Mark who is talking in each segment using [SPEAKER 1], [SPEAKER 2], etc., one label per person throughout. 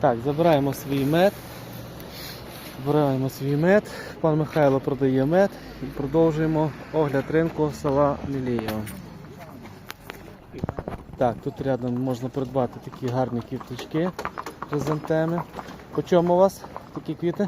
[SPEAKER 1] Так, забираємо свій мед. Збираємо свій мед. Пан Михайло продає мед і продовжуємо огляд ринку села Мілієво. Так, тут рядом можна придбати такі гарні квіточки хризантеми. По чому у вас такі квіти?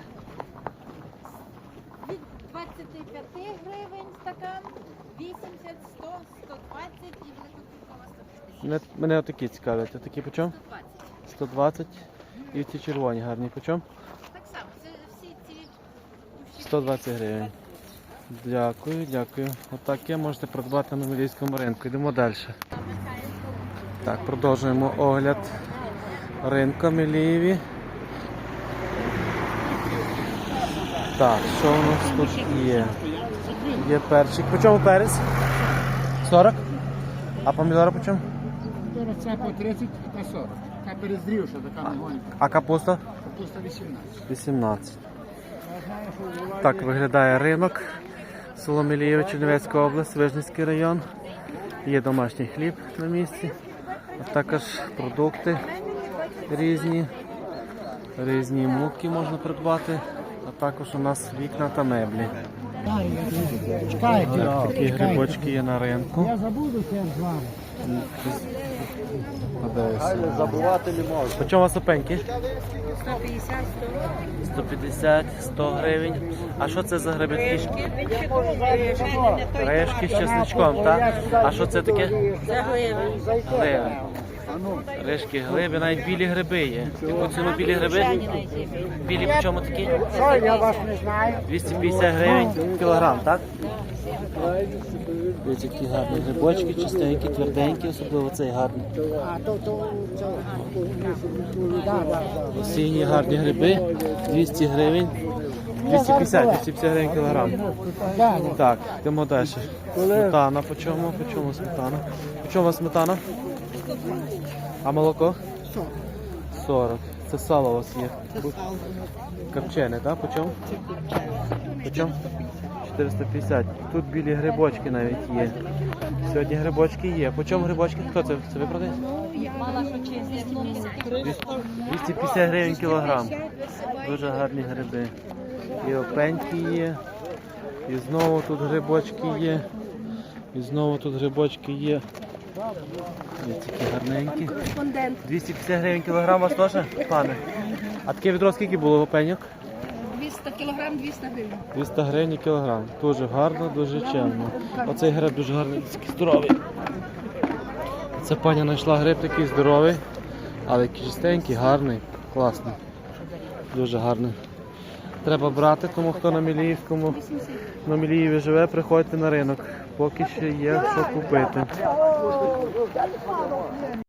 [SPEAKER 2] Від 25 гривень стакан, 80, 100, 120 і великоквіткова 150.
[SPEAKER 1] Мене отакі цікавлять. А такі по чому?
[SPEAKER 2] 120.
[SPEAKER 1] 120. І ці червоні гарні по чому?
[SPEAKER 2] Так само, це всі ці
[SPEAKER 1] 120 гривень. Дякую, дякую. Отаке можете придбати на Мілійському ринку. Йдемо далі. Так, продовжуємо огляд ринку Мілієві. Так, що у нас тут є? Є перчик. По чому перець? 40? А помідори по чому?
[SPEAKER 3] Це по 30 та 40. Така перезрівша, така негонька.
[SPEAKER 1] А капуста?
[SPEAKER 3] Капуста 18.
[SPEAKER 1] 18. Так виглядає ринок. Село Мілієве, Чернівецька область, Вижницький район. Є домашній хліб на місці. А також продукти різні. Різні муки можна придбати. А також у нас вікна та меблі.
[SPEAKER 3] Чекайте.
[SPEAKER 1] Так, такі грибочки є на ринку.
[SPEAKER 3] Я забуду це з вами.
[SPEAKER 1] Забувати не можна. По чому у вас опеньки?
[SPEAKER 2] 150,
[SPEAKER 1] 150, 100 гривень. А що це за гриби такі? Решки з чесничком, так? А що це таке?
[SPEAKER 2] Це гливи.
[SPEAKER 1] Гливи. Решки, глиби, навіть білі гриби є. Яку ціну білі гриби? Білі по чому такі?
[SPEAKER 3] Я вас не знаю.
[SPEAKER 1] 250 гривень кілограм, так? Дивіться, які гарні грибочки, чистенькі, тверденькі, особливо цей гарний.
[SPEAKER 3] А то
[SPEAKER 1] Осінні гарні гриби, 200 гривень, 250 гривень кілограм. Так, йдемо далі. Сметана по чому? По чому сметана? По чому у вас сметана? А молоко? 40. Це сало у вас є. Копчене, так? По чому? По чому? 450. Тут білі грибочки навіть є. Сьогодні грибочки є. По чому грибочки? Хто це? Це ви продаєте?
[SPEAKER 2] Мала що чисто.
[SPEAKER 1] 250 гривень кілограм. Дуже гарні гриби. І опеньки є. І знову тут грибочки є. І знову тут грибочки є. Ось такі гарненькі. 250 гривень кілограм у вас теж, пане? А таке відро скільки було опеньок?
[SPEAKER 2] 200 кілограм, 200 гривень.
[SPEAKER 1] 200 гривень кілограм. Дуже гарно, дуже чемно. Оцей гриб дуже гарний, такий здоровий. Ця пані знайшла гриб такий здоровий, але чистенький, гарний, класний. Дуже гарний. Треба брати, тому хто на Міліївському, на Міліїві живе, приходьте на ринок. Поки ще є що купити.